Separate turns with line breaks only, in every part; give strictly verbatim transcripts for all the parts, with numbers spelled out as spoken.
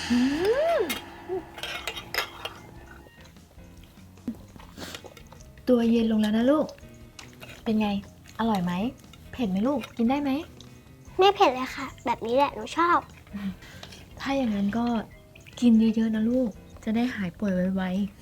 ตัวเย็นลงแล้วนะลูกเป็นไงอร่อยไหมเผ็ดไหมลูกกินได้ไหม
ไม่เผ็ดเลยค่ะแบบนี้แหละหนูชอบ
ถ้าอย่างนั้นก็กินเยอะๆนะลูกจะได้หายป่วยไว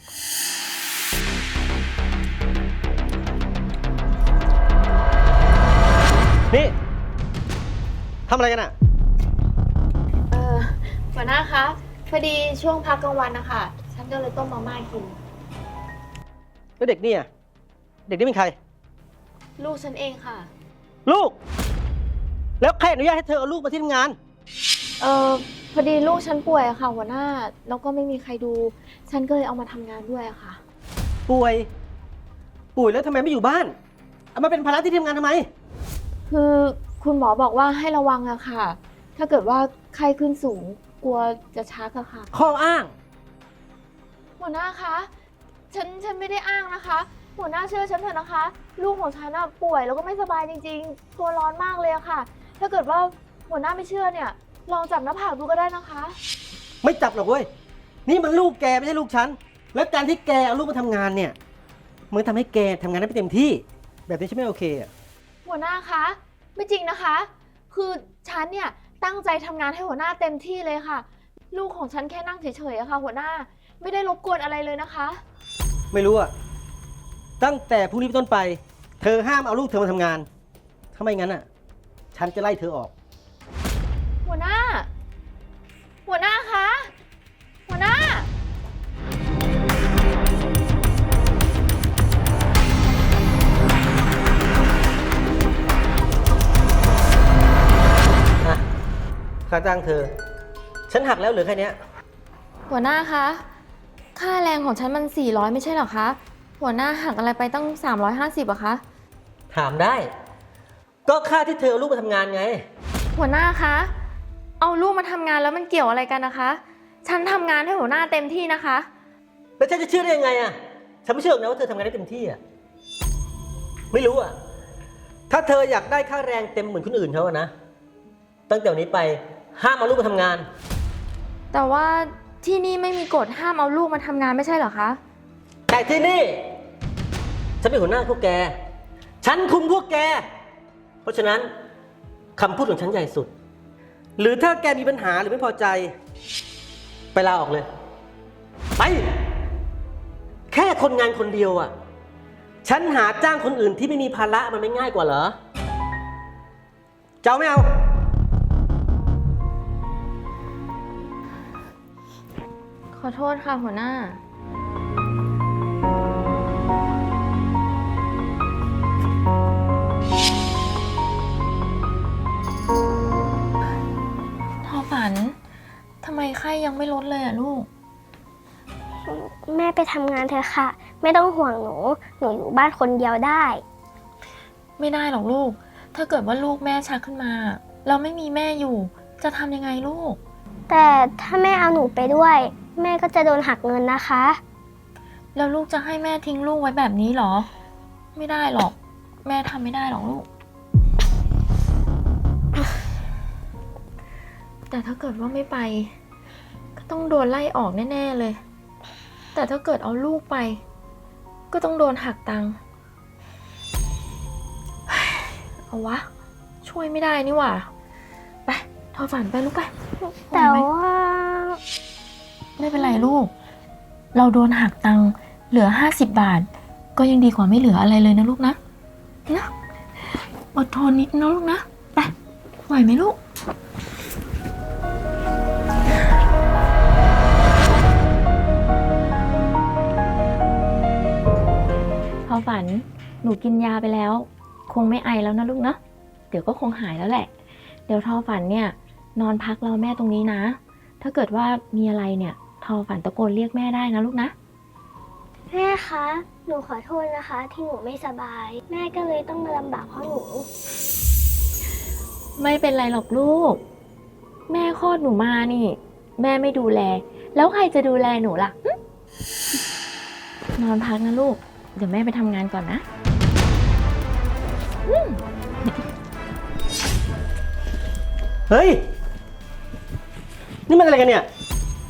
ๆนี่ทำอะไรกันอะ
เออหัวหน้าคะพอดีช่วงพักกลางวันนะคะฉันก็เลยต้มมาม่ากิน
แล้วเด็กนี่อะเด็กนี่เป็นใคร
ลูกฉันเองค่ะ
ลูกแล้วใครอนุญาตให้เธอเอาลูกมาที่ทำงาน
เออพอดีลูกฉันป่วยอะค่ะหัวหน้าแล้วก็ไม่มีใครดูฉันก็เลยเอามาทำงานด้วยอะค่ะ
ป่วยป่วยแล้วทำไมไม่อยู่บ้านเอามาเป็นภาระที่ทำงานทำไม
คือคุณหมอบอกว่าให้ระวังอะค่ะถ้าเกิดว่าไข้ขึ้นสูงกลัวจะชักอะค่ะ
ข้ออ้าง
หัวหน้าคะฉันฉันไม่ได้อ้างนะคะหัวหน้าเชื่อฉันเถอะนะคะลูกของฉันอะป่วยแล้วก็ไม่สบายจริงๆตัวร้อนมากเลยอะค่ะถ้าเกิดว่าหัวหน้าไม่เชื่อเนี่ยลองจับหน้าผากดูก็ได้นะคะ
ไม่จับหรอกเว้ยนี่มันลูกแกไม่ใช่ลูกฉันแล้วการที่แกเอาลูกมาทำงานเนี่ยมันทำให้แกทำงานได้ไม่เต็มที่แบบนี้ฉันไม่โอเคอะ
หัวหน้าคะไม่จริงนะคะคือฉันเนี่ยตั้งใจทำงานให้หัวหน้าเต็มที่เลยค่ะลูกของฉันแค่นั่งเฉยๆอะค่ะหัวหน้าไม่ได้รบกวนอะไรเลยนะคะ
ไม่รู้อะตั้งแต่พรุ่งนี้เป็นต้นไปเธอห้ามเอาลูกเธอมาทำงานถ้าไม่งั้นอะฉันจะไล่เธอออก
หัวหน้าหัวหน้าคะหัวหน้า
ค่าจ้างเธอฉันหักแล้วเหลือแค่นี้
หัวหน้าคะค่าแรงของฉันมันสี่ร้อยไม่ใช่หรอคะหัวหน้าหักอะไรไปตั้งสามร้อยห้าสิบอะคะ
ถามได้ก็ค่าที่เธอเอาลูกมาทำงานไง
หัวหน้าคะเอาลูกมาทำงานแล้วมันเกี่ยวอะไรกันนะคะฉันทำงานให้หัวหน้าเต็มที่นะคะ
แล้วฉันจะเชื่อได้ยังไงอะฉันไม่เชื่อนะว่าเธอทำงานได้เต็มที่อะไม่รู้อะถ้าเธออยากได้ค่าแรงเต็มเหมือนคนอื่นเขาอะนะตั้งแต่วันนี้ไปห้ามเอาลูกมาทำงาน
แต่ว่าที่นี่ไม่มีกฎห้ามเอาลูกมาทำงานไม่ใช่เหรอคะ
แต่ที่นี่ฉันเป็นหัวหน้าพวกแกฉันคุมพวกแกเพราะฉะนั้นคำพูดของฉันใหญ่สุดหรือถ้าแกมีปัญหาหรือไม่พอใจไปลาออกเลยไปแค่คนงานคนเดียวอ่ะฉันหาจ้างคนอื่นที่ไม่มีภาระมันไม่ง่ายกว่าเหรอเจ้าไม่เอา
ขอโทษค่ะหัวหน้าทอฝันทำไมไข้ยังไม่ลดเลยอะลูก
แม่ไปทำงานเถอะค่ะไม่ต้องห่วงหนูหนูอยู่บ้านคนเดียวได้
ไม่ได้หรอกลูกถ้าเกิดว่าลูกแม่ชักขึ้นมาเราไม่มีแม่อยู่จะทำยังไงลูก
แต่ถ้าแม่เอาหนูไปด้วยแม่ก็จะโดนหักเงินนะคะ
แล้วลูกจะให้แม่ทิ้งลูกไว้แบบนี้หรอไม่ได้หรอกแม่ทำไม่ได้หรอกลูกแต่ถ้าเกิดว่าไม่ไปก็ต้องโดนไล่ออกแน่ๆเลยแต่ถ้าเกิดเอาลูกไปก็ต้องโดนหักตังค์เอาวะช่วยไม่ได้นี่หว่าไปทอฝันไปลูกไป
แต่ว่า
ไม่เป็นไรลูกเราโดนหักตังค์เหลือห้าสิบบาทก็ยังดีกว่าไม่เหลืออะไรเลยนะลูกนะนะอดทนนิดนะลูกนะไปไหวไหมลูกพอฝันหนูกินยาไปแล้วคงไม่ไอแล้วนะลูกนะเดี๋ยวก็คงหายแล้วแหละเดี๋ยวทอฝันเนี่ยนอนพักรอแม่ตรงนี้นะถ้าเกิดว่ามีอะไรเนี่ยทอฝันตะโกนเรียกแม่ได้นะลูกนะ
แม่คะหนูขอโทษนะคะที่หนูไม่สบายแม่ก็เลยต้องมาลำบากเพราะหนู
ไม่เป็นไรหรอกลูกแม่คลอดหนูมานี่แม่ไม่ดูแลแล้วใครจะดูแลหนูล่ะนอนพักนะลูกเดี๋ยวแม่ไปทำงานก่อนนะ
เฮ้ยนี่มันอะไรกันเนี่ย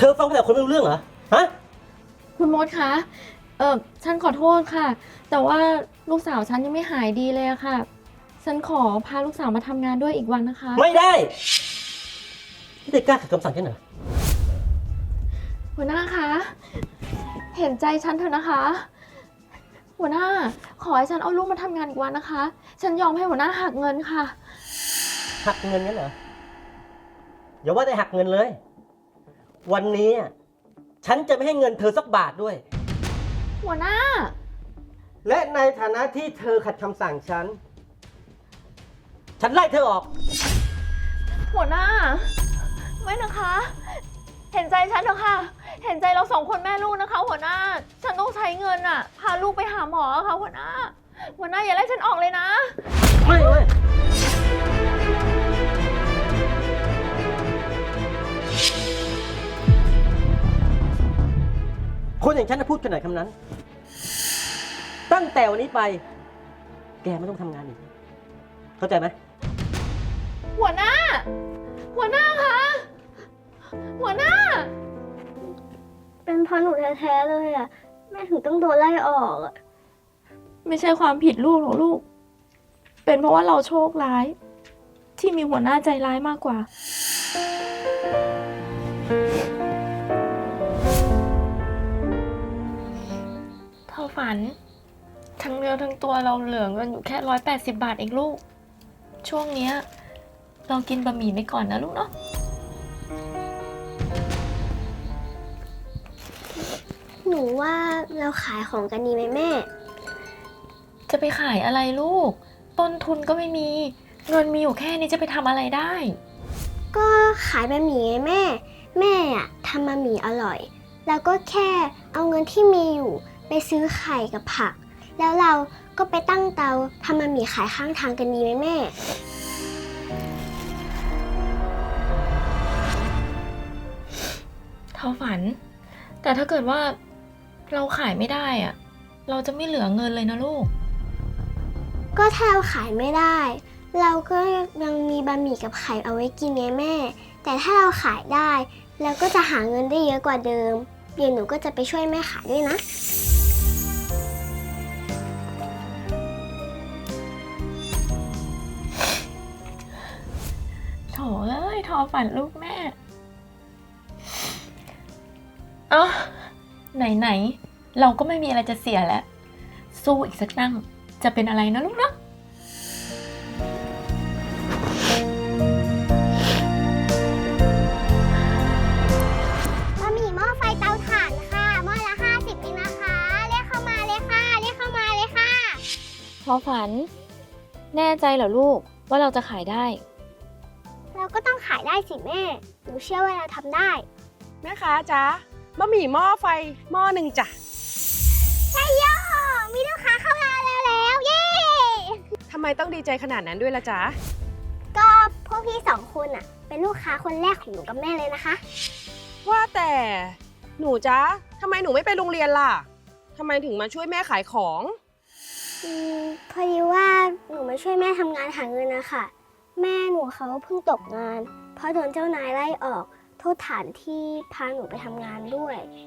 ธอฟังภาษาคนไม่รู้เรื่องเหรอ ฮะ
คุณมดคะ เออฉันขอโทษค่ะ แต่ว่าลูกสาวฉันยังไม่หายดีเลยอะค่ะ ฉันขอพาลูกสาวมาทำงานด้วยอีกวันนะคะ
ไม่ได้ ที่เธอกล้าขัดคำสั่งฉันเหรอ
หัวหน้าคะ เห็นใจฉันเถอะนะคะ หัวหน้า ขอให้ฉันเอาลูกมาทำงานอีกวันนะคะ ฉันยอมให้หัวหน้าหักเงินค่ะ
หักเงินงั้นเหรอ อย่าว่าแต่หักเงินเลย วันนี้อะฉันจะไม่ให้เงินเธอสักบาทด้วย
หัวหน้า
และในฐานะที่เธอขัดคำสั่งฉัน ฉันไล่เธอออก
หัวหน้า ไม่นะคะ เห็นใจฉันเถอะค่ะ เห็นใจเราสองคนแม่ลูกนะคะ หัวหน้า ฉันต้องใช้เงินอะพาลูกไปหาหมอค่ะหัวหน้า หัวหน้าอย่าไล่ฉันออกเลยนะ
ไม่เว้ยคนอย่างฉันจะพูดขนาดคำนั้น ตั้งแต่วันนี้ไป แกไม่ต้องทำงานอีก เข้าใจไหม
หัวหน้า หัวหน้าคะ หัวหน้า
เป็นเพราะหนูแท้ๆเลยอะแม่ถึงต้องโดนไล่ออกอะ
ไม่ใช่ความผิดลูกหรอกลูก เป็นเพราะว่าเราโชคร้าย ที่มีหัวหน้าใจร้ายมากกว่า เท่าฝัน ทั้งเนื้อทั้งตัวเราเหลือเงินอยู่แค่ร้อยแปดสิบบาทเองลูก ช่วงเนี้ยเรากินบะหมี่ไปก่อนนะลูกเนาะ
หนูว่าเราขายของกันดีไหมแม่
จะไปขายอะไรลูก ต้นทุนก็ไม่มี เงินมีอยู่แค่นี้จะไปทำอะไรได้
ก็ขายบะหมี่ไงแม่ แม่อะทำบะหมี่อร่อย แล้วก็แค่เอาเงินที่มีอยู่ไปซื้อไข่กับผัก แล้วเราก็ไปตั้งเตาทำบะหมี่ขายข้างทางกันดีไหมแม่
เท่าฝัน แต่ถ้าเกิดว่าเราขายไม่ได้อะเราจะไม่เหลือเงินเลยนะลูก
ก็ถ้าเราขายไม่ได้ เราก็ยังมีบะหมี่กับไข่เอาไว้กินไงแม่ แต่ถ้าเราขายได้เราก็จะหาเงินได้เยอะกว่าเดิมเดี๋ยวหนูก็จะไปช่วยแม่ขายด้วยนะ
โถเอ้ยทอฝันลูกแม่ เอ้าไหนๆเราก็ไม่มีอะไรจะเสียแล้ว สู้อีกสักตั้งจะเป็นอะไรนะลูกเนาะ
บะหมี่หม้อไฟเตาถ่านค่ะหม้อละห้าสิบเองนะคะเรียกเข้ามาเลยค่ะเรียกเข้ามาเลยค่ะ
ทอฝัน แน่ใจเหรอลูกว่าเราจะขายได้
เราก็ต้องขายได้สิแม่หนูเชื่อว่าเราทำได้
แม่ค้าจ๊ะบะหมี่หม้อไฟหม้อหนึ่งจ้ะ
ใช่ย่อมีลูกค้าเข้ามาแล้วแล้วเย้
ทำไมต้องดีใจขนาดนั้นด้วยล่ะจ๊ะ
ก็พวกพี่สองคนอะเป็นลูกค้าคนแรกของหนูกับแม่เลยนะคะ
ว่าแต่หนูจ๊ะทำไมหนูไม่ไปโรงเรียนล่ะทำไมถึงมาช่วยแม่ขายของ
อืมพอดีว่าหนูมาช่วยแม่ทำงานหาเงินนะคะแม่หนูเขาเพิ่งตกงาน เพราะโดนเจ้านายไล่ออกโทษฐานที่พาหนูไปทำงานด้วย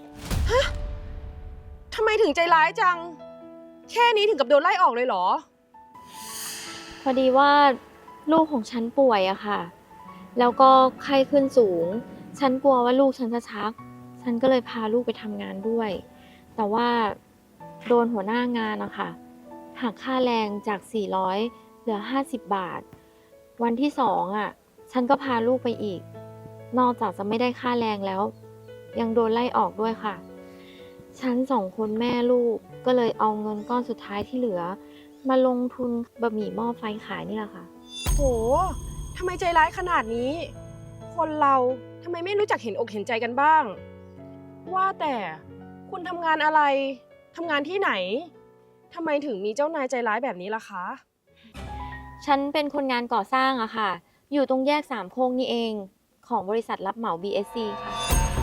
ทำไมถึงใจร้ายจัง แค่นี้ถึงกับโดนไล่ออกเลยเหรอ
พอดีว่าลูกของฉันป่วยอะค่ะ แล้วก็ไข้ขึ้นสูง ฉันกลัวว่าลูกฉันจะชัก ฉันก็เลยพาลูกไปทำงานด้วย แต่ว่าโดนหัวหน้างานอะค่ะหักค่าแรงจากสี่ร้อยเหลือห้าสิบบาท วันที่สองอะฉันก็พาลูกไปอีก นอกจากจะไม่ได้ค่าแรงแล้ว ยังโดนไล่ออกด้วยค่ะ ฉันสองคนแม่ลูกก็เลยเอาเงินก้อนสุดท้ายที่เหลือ มาลงทุนบะหมี่หม้อไฟขายนี่แหละค่ะ
โหทำไมใจร้ายขนาดนี้ คนเราทำไมไม่รู้จักเห็นอกเห็นใจกันบ้าง ว่าแต่คุณทำงานอะไรทำงานที่ไหนทำไมถึงมีเจ้านายใจร้ายแบบนี้ล่ะคะ
ฉันเป็นคนงานก่อสร้างอะค่ะ อยู่ตรงแยกสามโคกนี่เอง ของบริษัทรับเหมา บี เอส ซี ค่ะ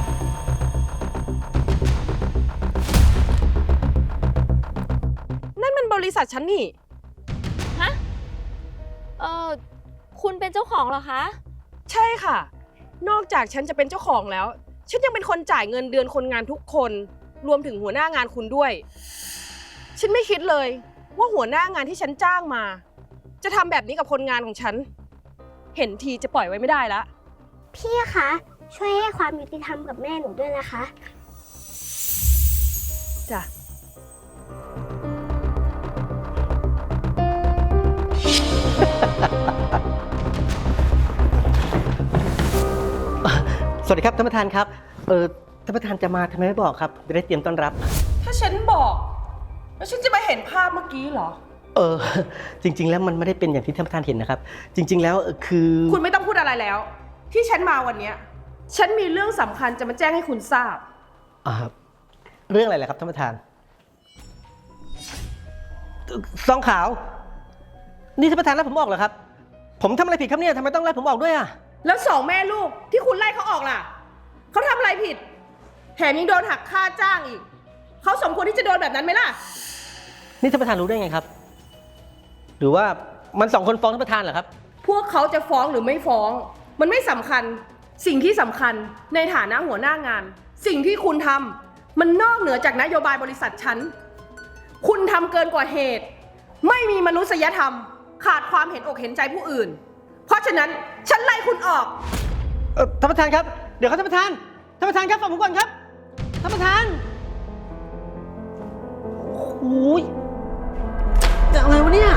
นั่นมันบริษัทฉันนี่
ฮะ เออคุณเป็นเจ้าของเหรอคะ
ใช่ค่ะ นอกจากฉันจะเป็นเจ้าของแล้วฉันยังเป็นคนจ่ายเงินเดือนคนงานทุกคนรวมถึงหัวหน้างานคุณด้วย ฉันไม่คิดเลยว่าหัวหน้างานที่ฉันจ้างมา จะทำแบบนี้กับคนงานของฉัน เห็นทีจะปล่อยไว้ไม่ได้ละ
พี่คะช่วยให้ความยุติธรรมกับแม่หนูด้วยนะคะ
จ้ะ
สวัสดีครับท่านประธานครับ เออท่านประธานจะมาทำไมไม่บอกครับจะได้เตรียมต้อนรับ
ถ้าฉันบอก แล้วฉันจะมาเห็นภาพเมื่อกี้เหรอ
เออ จริง ๆ แล้วมันไม่ได้เป็นอย่างที่ท่านประธานเห็นนะครับ จริง ๆ แล้วเอ่อคือ
คุณไม่ต้องพูดอะไรแล้ว ที่ฉันมาวันเนี้ยฉันมีเรื่องสำคัญจะมาแจ้งให้คุณทราบ
อ่าเรื่องอะไรล่ะครับท่านประธานซองขาว นี่ท่านประธานไล่ผมออกเหรอครับ ผมทำอะไรผิดครับเนี่ยทำไมต้องไล่ผมออกด้วยอ่ะ
แล้วสองแม่ลูกที่คุณไล่เขาออกล่ะเขาทำอะไรผิดแถมยังโดนหักค่าจ้างอีกเขาสมควรที่จะโดนแบบนั้นไหมล่ะ
นี่ท่านประธานรู้ได้ไงครับ หรือว่ามันสองคนฟ้องท่านประธานเหรอครับ
พวกเขาจะฟ้องหรือไม่ฟ้อง มันไม่สำคัญสิ่งที่สำคัญในฐานะหัวหน้างาน สิ่งที่คุณทำมันนอกเหนือจากนโยบายบริษัทฉันคุณทำเกินกว่าเหตุ ไม่มีมนุษยธรรม ขาดความเห็นอกเห็นใจผู้อื่น เพราะฉะนั้นฉันไล่คุณออก
เออท่านประธานครับ เดี๋ยวครับท่านประธาน ท่านประธานครับฟังผมก่อนครับ ท่านประธาน โอ้ยจะอะไรวะเนี่ย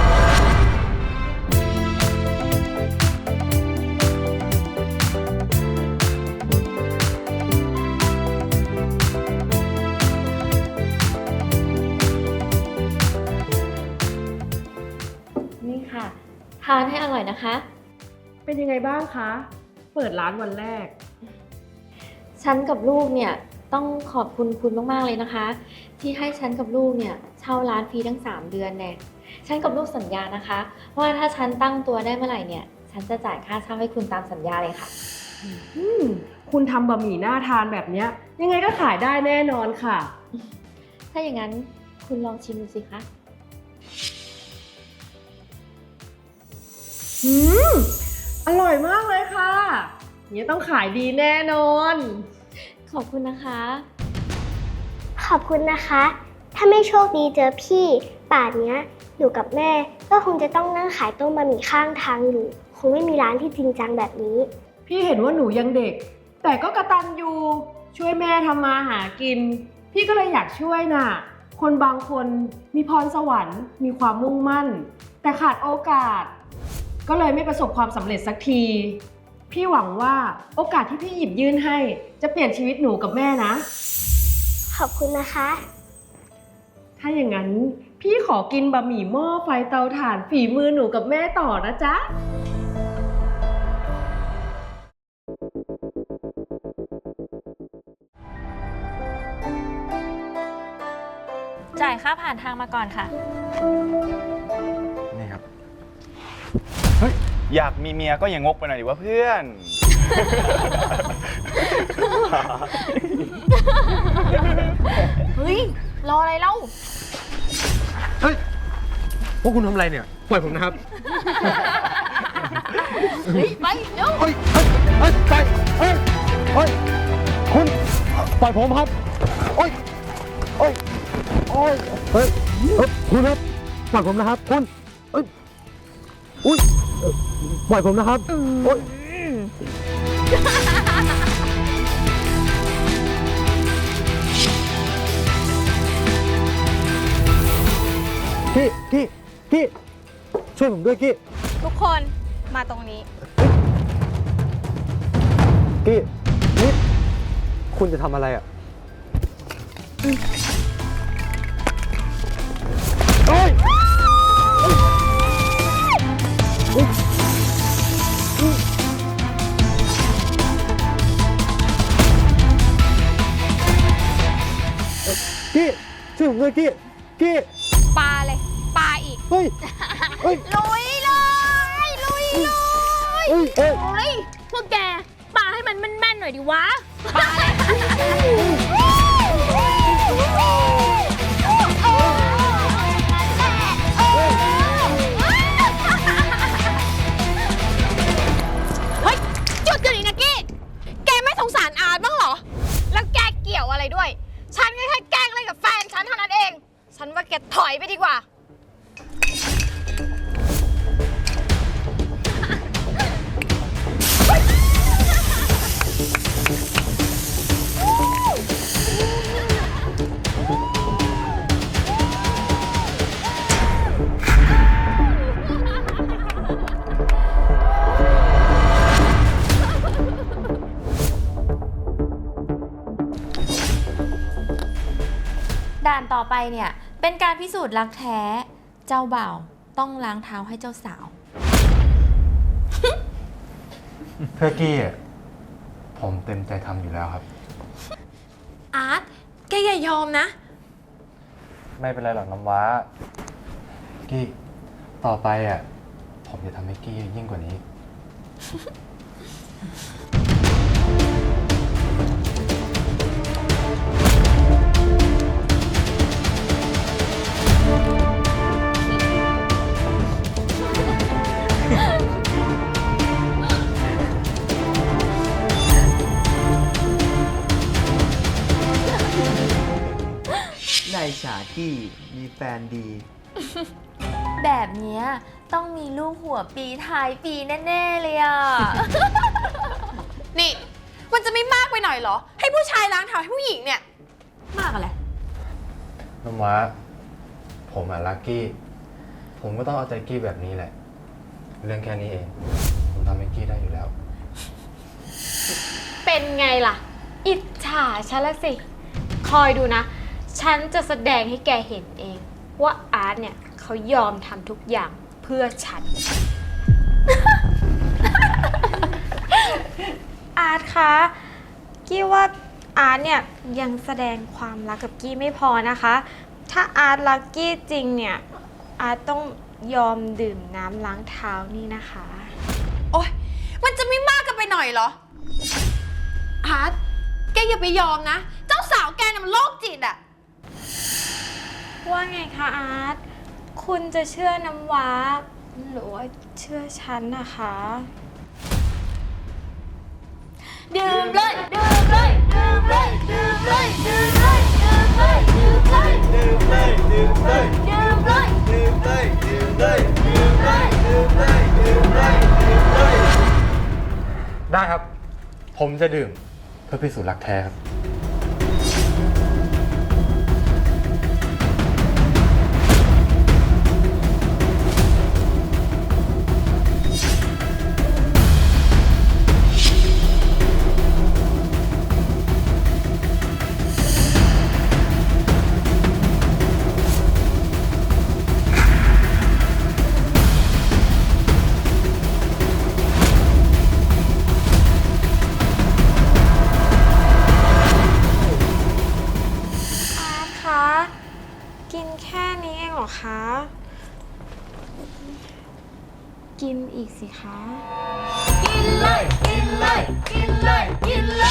นี่ค่ะ ทานให้อร่อยนะคะ
เป็นยังไงบ้างคะ เปิดร้านวันแรก
ฉันกับลูกเนี่ยต้องขอบคุณคุณมากๆเลยนะคะ ที่ให้ฉันกับลูกเนี่ยเช่าร้านฟรีทั้งสามเดือนแน่ฉันกับลูกสัญญานะคะว่าถ้าฉันตั้งตัวได้เมื่อไหร่เนี่ยฉันจะจ่ายค่าเช่าให้คุณตามสัญญาเลยค่ะ
อืมคุณทำบะหมี่น่าทานแบบเนี้ยยังไงก็ขายได้แน่นอนค่ะ
ถ้าอย่างนั้นคุณลองชิมดูสิคะ
อืมอร่อยมากเลยค่ะอย่างนี้ต้องขายดีแน่นอน
ขอบคุณนะคะ
ขอบคุณนะคะ ถ้าไม่โชคดีเจอพี่ป่านเนี้ยหนูกับแม่ก็คงจะต้องนั่งขายต้มบะหมี่ข้างทางอยู่ คงไม่มีร้านที่จริงจังแบบนี้
พี่เห็นว่าหนูยังเด็ก แต่ก็กระตันยูช่วยแม่ทำมาหากิน พี่ก็เลยอยากช่วยน่ะ คนบางคนมีพรสวรรค์มีความมุ่งมั่น แต่ขาดโอกาส ก็เลยไม่ประสบความสำเร็จสักที พี่หวังว่าโอกาสที่พี่หยิบยื่นให้จะเปลี่ยนชีวิตหนูกับแม่นะ
ขอบคุณนะคะ
ถ้าอย่างนั้นพี่ขอกินบะหมี่หม้อไฟเตาถ่านฝีมือหนูกับแม่ต่อนะจ๊ะ
จ่ายค่าผ่านทางมาก่อนค่ะ
นี่ครับ เฮ้ย อยากมีเมียก็อย่างงกไปหน่อยดิว่าเพื่อน
เฮ้ย รออะไรเล่า
เฮ้ย พวกคุณทำอะไรเนี่ย ปล่อยผมนะครับ
เฮ้ย ไปเร็ว
เฮ้ย เฮ้ย เฮ้ย ไป เฮ้ย เฮ้ย คุณ ปล่อยผมครับโอ้ยโอ้ยโอ้ยเฮ้ยเฮ้ยคุณครับ ปล่อยผมนะครับ คุณเอ้ยอุ้ยเอ่อปล่อยผมนะครับโอ้ยกี้กี้กี้ช่วยผมด้วยกี้
ทุกคนมาตรงนี้
กี้นี่คุณจะทำอะไรอ่ะเฮ้ยกี้ช่วยผมด้วยกี้กี้
ปาเลย ปาอีก
เฮ้ยเฮ้ย
ลุยเลย ลุยเลย
เฮ้ยเฮ้ย
เฮ้ย พวกแกปาให้มันแม่นๆหน่อยดิวะ
ปาเลย เฮ้ย จุดเดี๋ยวนี้นะกี้ แกไม่สงสารอาร์ตบ้าง
ต่อไปเนี่ยเป็นการพิสูจน์รักแท้ เจ้าบ่าวต้องล้างเท้าให้เจ้าสาว
เพื่อกี้อะผมเต็มใจทำอยู่แล้วครับ
อาร์ต แกอย่ายอมนะ
ไม่เป็นไรหรอกน้ำว้า กี้ ต่อไปอ่ะ ผมจะทำให้กี้ยิ่งกว่านี้
นายฉากี้มีแฟนดี
แบบเนี้ยต้องมีลูกหัวปีท้ายปีแน่ๆเลยอ่ะ
นี่ มันจะไม่มากไปหน่อยเหรอ ให้ผู้ชายล้างเท้าให้ผู้หญิงเนี่ย
มากอะไร
น้ำว้า ผมอะรักกี้ ผมก็ต้องเอาใจกี้แบบนี้แหละ เรื่องแค่นี้เอง ผมทำให้กี้ได้อยู่แล้ว
เป็นไงล่ะ อิจฉาฉันละสิ คอยดูนะ ฉันจะแสดงให้แกเห็นเอง ว่าอาร์ตเนี่ยเขายอมทำทุกอย่างเพื่อฉัน อาร์ตคะ กี้ว่าอาร์ตเนี่ยยังแสดงความรักกับกี้ไม่พอนะคะ ถ้าอาร์ตรักกี้จริงเนี่ย อาร์ตต้องยอมดื่มน้ำล้างเท้านี่นะคะ
โอ๊ย มันจะไม่มากกันไปหน่อยเหรอ อาร์ต แกอย่าไปยอมนะ เจ้าสาวแกน่ะมันโรคจิตอะ
ว่าไงคะอาร์ต คุณจะเชื่อน้ำว้าหรือว่าเชื่อฉันนะคะ
ดื่มเลย ดื่มเลย ดื่มเลย ดื่มเลย ดื่มเลย ดื่มเลย ดื่มเลย
ดื่มเลยดื่มเลย
ดื่มเลย
ดื่มเลยดื่มเลยดื่มเลยดื่มเลยดื่มเลยดื่มเลย
ได้ครับ ผมจะดื่มเพื่อพิสูจน์รักแท้ครับ
อาร์ตคะ กินแค่นี้เองเหรอคะ กินอีกสิคะ
กินเลย กินเลย กินเลย กินเลย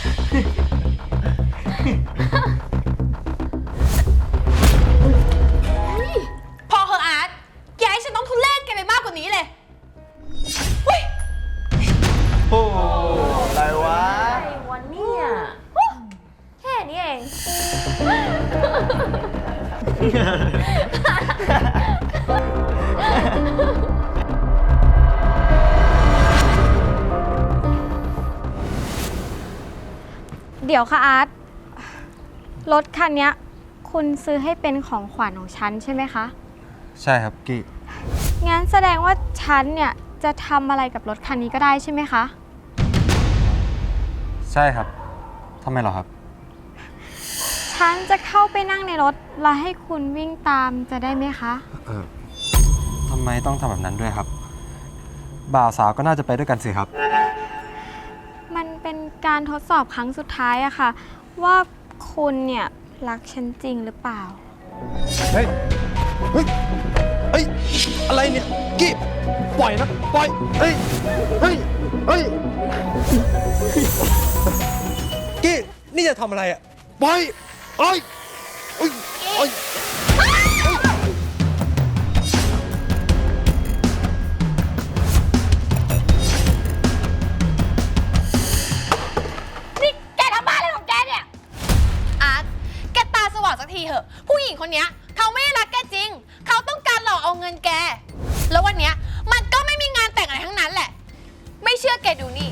พอเหอะอาร์ต อย่าให้ฉันต้องทุเรศแกไปมากกว่านี้เลยเฮ้ย
โอ้อะไรวะ
อะไรวะเนี่ยแค่นี้เอง
เดี๋ยวค่ะอาร์ต รถคันเนี้ยคุณซื้อให้เป็นของขวัญของฉันใช่ไหมคะ
ใช่ครับกี้
งั้นแสดงว่าฉันเนี่ยจะทำอะไรกับรถคันนี้ก็ได้ใช่ไหมคะ
ใช่ครับ ทำไมเหรอครับ
ฉันจะเข้าไปนั่งในรถแล้วให้คุณวิ่งตามจะได้ไหมคะ
เออทำไมต้องทำแบบนั้นด้วยครับ บ่าวสาวก็น่าจะไปด้วยกันสิครับ
มันเป็นการทดสอบครั้งสุดท้ายอะค่ะ ว่าคุณเนี่ยรักฉันจริงหรือเปล่า
เฮ้ย เฮ้ย เฮ้ย อะไรเนี่ย กี้ ปล่อยนะ ปล่อย เฮ้ย เฮ้ย เฮ้ย กี้ นี่จะทำอะไรอ่ะ ปล่อยเอ้ยเอ้ยเอ้ย
นี่แกทำบ้าอะไรของแกเนี่ย อาร์ต แกตาสว่างสักทีเถอะ ผู้หญิงคนเนี้ยเขาไม่ได้รักแกจริง เขาต้องการหลอกเอาเงินแก แล้ววันเนี้ยมันก็ไม่มีงานแต่งอะไรทั้งนั้นแหละ ไม่เชื่อแกดูนี่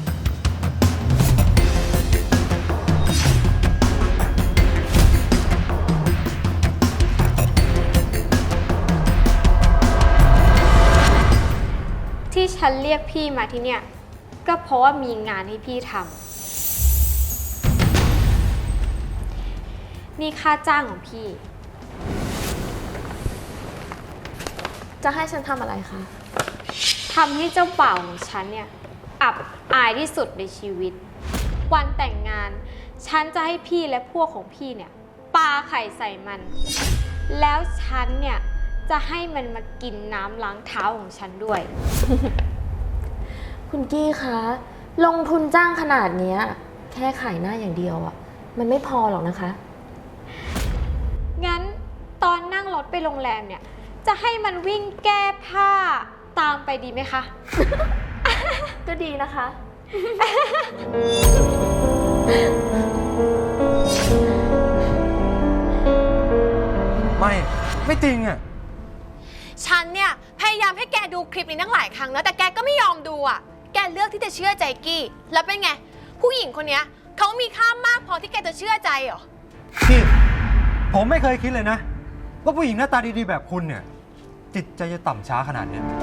ที่ฉันเรียกพี่มาที่เนี่ย ก็เพราะว่ามีงานให้พี่ทำนี่ค่าจ้างของพี่
จะให้ฉันทำอะไรคะ
ทำให้เจ้าบ่าวของฉันเนี่ยอับอายที่สุดในชีวิต วันแต่งงาน ฉันจะให้พี่และพวกของพี่เนี่ยปาไข่ใส่มัน แล้วฉันเนี่ยจะให้มันมากินน้ำล้างเท้าของฉันด้วย
คุณกี้คะ ลงทุนจ้างขนาดเนี้ยแค่ขายหน้าอย่างเดียวอะมันไม่พอหรอกนะคะ
งั้นตอนนั่งรถไปโรงแรมเนี่ย จะให้มันวิ่งแก้ผ้าตามไปดีไหมคะ
ก็ดีนะคะ
ไม่ ไม่จริงอ่ะ
ฉันเนี่ยพยายามให้แกดูคลิปนี้ตั้งหลายครั้งแล้วแต่แกก็ไม่ยอมดูอ่ะ แกเลือกที่จะเชื่อใจกี้ แล้วเป็นไง ผู้หญิงคนเนี้ยเขามีค่ามากพอที่แกจะเชื่อใจเหรอ
พี่ ผมไม่เคยคิดเลยนะ ว่าผู้หญิงหน้าตาดีๆแบบคุณเนี่ย จิตใจจะต่ำช้าขนาดเนี้ย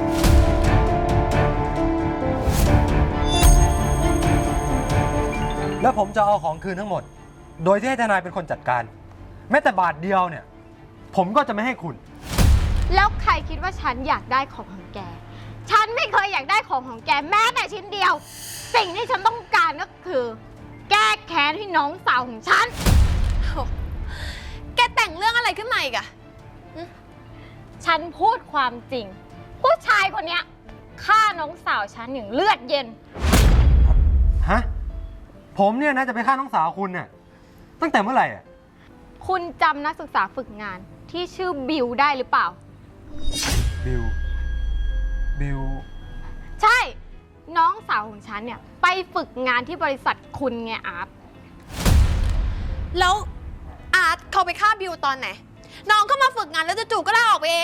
แล้วผมจะเอาของคืนทั้งหมด โดยที่ให้ทนายเป็นคนจัดการ แม้แต่บาทเดียวเนี่ย ผมก็จะไม่ให้คุณ
แล้วใครคิดว่าฉันอยากได้ของของแก ฉันไม่เคยอยากได้ของของแกแม้แต่ชิ้นเดียว สิ่งที่ฉันต้องการก็คือ แก้แค้นให้น้องสาวของฉัน
แกแต่งเรื่องอะไรขึ้นมาอีกอะ
ฉันพูดความจริง ผู้ชายคนเนี้ยฆ่าน้องสาวฉันอย่างเลือดเย็น
ฮะ ผมเนี่ยนะจะไปฆ่าน้องสาวคุณเนี่ยตั้งแต่เมื่อไหร่อ่ะ
คุณจำนักศึกษาฝึกงานที่ชื่อบิวได้หรือเปล่า
บิว บิว
ใช่ น้องสาวของฉันเนี่ยไปฝึกงานที่บริษัทคุณไงอาร์ต
แล้วอาร์ตเขาไปฆ่าบิวตอนไหน น้องก็มาฝึกงานแล้วจู่ๆก็ลาออกไปเอง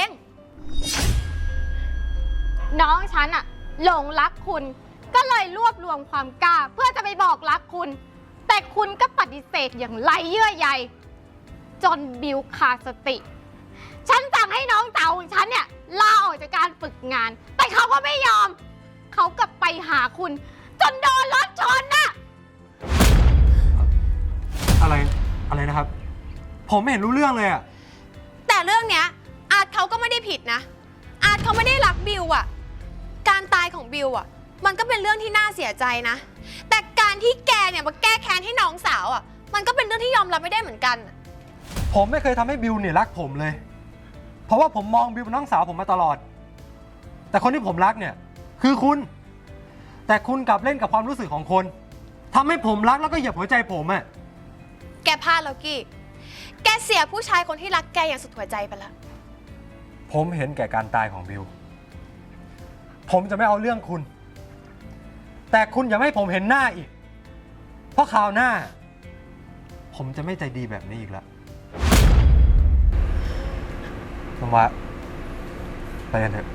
น้องฉันอะหลงรักคุณ ก็เลยรวบรวมความกล้า เพื่อจะไปบอกรักคุณ แต่คุณก็ปฏิเสธอย่างไร้เยื่อใยจนบิวขาดสติ ฉันสั่งให้น้องสาวของฉันเนี่ยลาออกจากการฝึกงาน แต่เขาก็ไม่ยอม เขากลับไปหาคุณ จนโดนรถชนน่ะ
อะไร อะไรนะครับ ผมไม่เห็นรู้เรื่องเลยอ่ะ
แต่เรื่องเนี้ยอาร์ตเขาก็ไม่ได้ผิดนะ อาร์ตเขาไม่ได้รักบิวอะการตายของบิวอะมันก็เป็นเรื่องที่น่าเสียใจนะ แต่การที่แกเนี่ยมาแก้แค้นให้น้องสาวอะมันก็เป็นเรื่องที่ยอมรับไม่ได้เหมือนกัน
ผมไม่เคยทำให้บิวเนี่ยรักผมเลย เพราะว่าผมมองบิวเป็นน้องสาวผมมาตลอด แต่คนที่ผมรักเนี่ย คือคุณ แต่คุณกลับเล่นกับความรู้สึกของคนทำให้ผมรักแล้วก็เหยียบหัวใจผมอ่ะ
แกพลาดแล้วกี้ แกเสียผู้ชายคนที่รักแกอย่างสุดหัวใจไปแล้ว
ผมเห็นแก่การตายของบิว ผมจะไม่เอาเรื่องคุณ แต่คุณอย่าให้ผมเห็นหน้าอีก เพราะคราวหน้า ผมจะไม่ใจดีแบบนี้อีกแล้วน้องวะไปกันเถอะ